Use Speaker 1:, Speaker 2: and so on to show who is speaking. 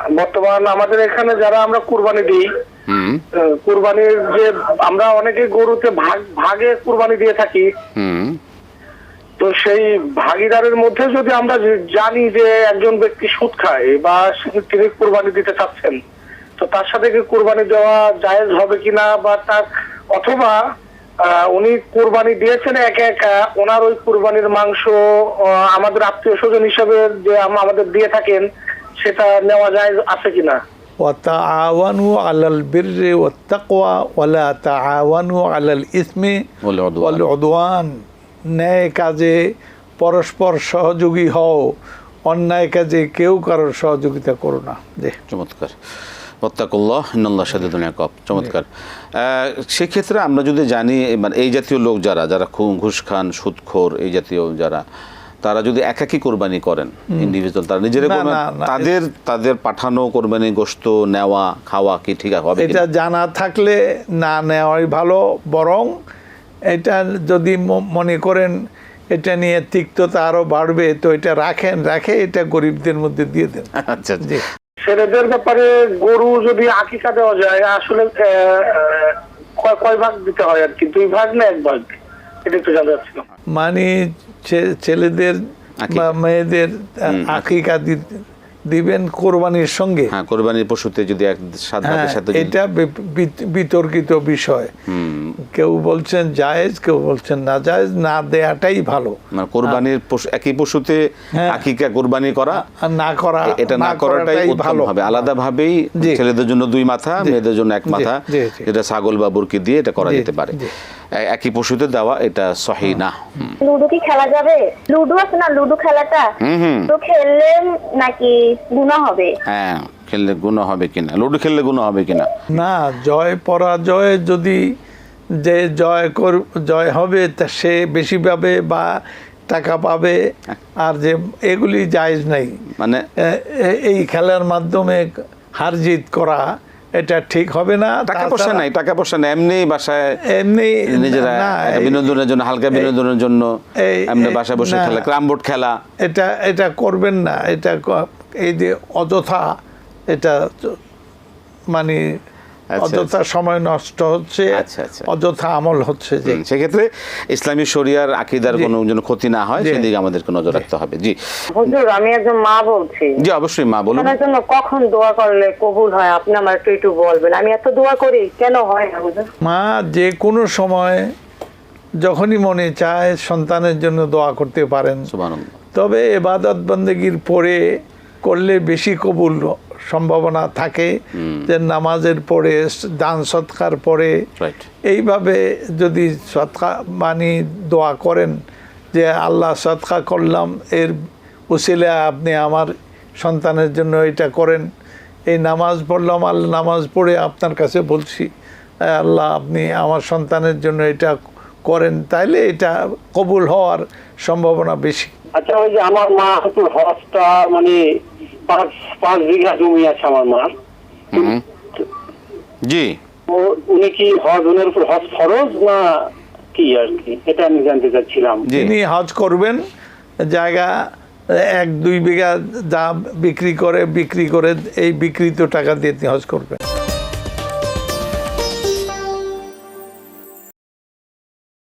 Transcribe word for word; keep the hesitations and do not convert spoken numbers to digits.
Speaker 1: বর্তমান আমাদের এখানে যারা আমরা কুরবানি দিই, কুরবানির যে আমরা অনেকে গরুতে ভাগ ভাগে কুরবানি দিয়ে থাকি, তো সেই ভাগিদারের মধ্যে যদি আমরা জানি যে একজন ব্যক্তি সুদ খায় বা তিনি কুরবানি দিতে চাচ্ছেন, তো তার সাথে কি কুরবানি দেওয়া জায়েজ হবে কিনা, বা তার অথবা উনি কুরবানি দিয়েছেন একা একা, ওনার ওই কুরবানির মাংস আমাদের আত্মীয় স্বজন হিসাবে যে আমাদের দিয়ে থাকেন, সেটা নেওয়া যায় আছে কিনা?
Speaker 2: ওয়াতাআওয়ানু আলাল বিররি ওয়াত তাকওয়া ওয়ালা তাআওয়ানু আলাল ইসমি ওয়াল উদওয়ান। ন্যায় কাজে পরস্পর সহযোগী হও, অন্যায় কাজে কেউ কারোর সহযোগিতা করো না। জি,
Speaker 3: চমৎকার। ওয়াত্তাকুল্লাহ ইন্নাল্লাহ শাদীদুল ইকাব। চমৎকার। সেক্ষেত্রে আমরা যদি জানি, মানে এই জাতীয় লোক যারা যারা ঘুষ খান, সুদখোর, এই জাতীয় যারা, তারা যদি একাকী কোরবানি করেন, ইন্ডিভিজুয়াল, তারা নিজের তাদের তাদের পাঠানো কোরবানি গোশত নেওয়া খাওয়া কি ঠিক হবে?
Speaker 2: এটা জানা থাকলে না নেওয়াই ভালো। বরং এটা যদি মনে করেন এটা নিয়ে তিক্ততা আরো বাড়বে, তো এটা রাখেন, রাখে এটা গরিবদের মধ্যে দিয়ে দেন।
Speaker 3: আচ্ছা,
Speaker 2: জি।
Speaker 1: ছেলেদের ব্যাপারে গরু যদি আকিকা দেওয়া যায়, আসলে কয় ভাগ দিতে হয় আর কি? দুই ভাগ না এক ভাগ? এটা একটু জানতে চাচ্ছিলাম।
Speaker 2: মানে ছেলেদের বা মেয়েদের আকিকা দিবেন কোরবানির সঙ্গে।
Speaker 3: হ্যাঁ, কোরবানির পশুতে যদি এক সাত ভাগের সাথে,
Speaker 2: এটা বিতর্কিত বিষয়। কেউ বলছেন জায়েজ, কেউ বলছেন না জায়েজ। না দেয়াটাই ভালো।
Speaker 3: মানে কোরবানির পশু, একই পশুতে আকিকা কোরবানি করা আর না করা, এটা না করাটাই ভালো হবে। আলাদা ভাবেই ছেলেদের জন্য দুই মাথা, মেয়েদের জন্য এক মাথা, যেটা ছাগল বা বুরকি দিয়ে এটা করা যেতে পারে। একই পশুতে দেওয়া এটা সহি না।
Speaker 4: লুডো কি খেলা যাবে? লুডো আছে না, লুডো খেলাটা, তো খেললে নাকি গুনাহ হবে?
Speaker 3: হ্যাঁ, খেললে গুনাহ হবে কিনা, লুডো খেললে গুনাহ হবে কিনা?
Speaker 2: না, জয় পরাজয় যদি যে জয় কর জয় হবে তা সে বেশি পাবে বা টাকা পাবে, আর যে এগুলি জায়েজ নাই। মানে এই খেলার মাধ্যমে হার জিত করা এটা ঠিক হবে না।
Speaker 3: টাকা পয়সা নাই, টাকা পয়সা নাই, এমনি বাসায়
Speaker 2: এমনি
Speaker 3: নিজেরা বিনোদনের জন্য, হালকা বিনোদনের জন্য এমনি বাসায় বসে খেলা, ক্যারাম বোর্ড খেলা,
Speaker 2: এটা এটা করবেন না। এটা এই যে অযথা, এটা মানে অযথা সময় নষ্ট হচ্ছে, অযথা আমল হচ্ছে। যে
Speaker 3: সেক্ষেত্রে ইসলামী শরিয়ার আকীদার কোনো যেন ক্ষতি না হয় সেদিকে আমাদেরকে নজর রাখতে হবে। জি
Speaker 4: হুজুর, আমি একজন মা বলছি।
Speaker 3: জি, অবশ্যই মা বলুন।
Speaker 4: আমার জন্য কখন দোয়া করলে কবুল হয় আপনি আমার একটু একটু বলবেন। আমি এত দোয়া করি, কেন হয় না হুজুর?
Speaker 2: মা যে কোনো সময় যখনই মনে চায় সন্তানের জন্য দোয়া করতে পারেন।
Speaker 3: সুবহানাল্লাহ।
Speaker 2: তবে ইবাদত বন্দেগীর পরে করলে বেশি কবুল সম্ভাবনা থাকে। যে নামাজের পরে, দান সৎকার পরে, এইভাবে যদি সৎকা মানে দোয়া করেন যে আল্লাহ সৎকা করলাম, এর উসিলে আপনি আমার সন্তানের জন্য এটা করেন। এই নামাজ পড়লাম, আল্লাহ নামাজ পড়ে আপনার কাছে বলছি আল্লাহ আপনি আমার সন্তানের জন্য এটা করেন, তাইলে এটা কবুল হওয়ার সম্ভাবনা বেশি।
Speaker 1: আচ্ছা, ওই যে আমার মা একটু হজটা মানে পাঁচ পাঁচ বিঘা জমি আছে আমার মার।
Speaker 3: জি,
Speaker 1: উনি কি হজ, ওনার উপর হজ ফরজ না কি আর কি, এটা আমি জানতে চাচ্ছিলাম।
Speaker 2: যিনি হজ করবেন, জায়গা এক দুই বিঘা যা বিক্রি করে বিক্রি করে এই বিক্রিত টাকা দিয়ে হজ করবেন।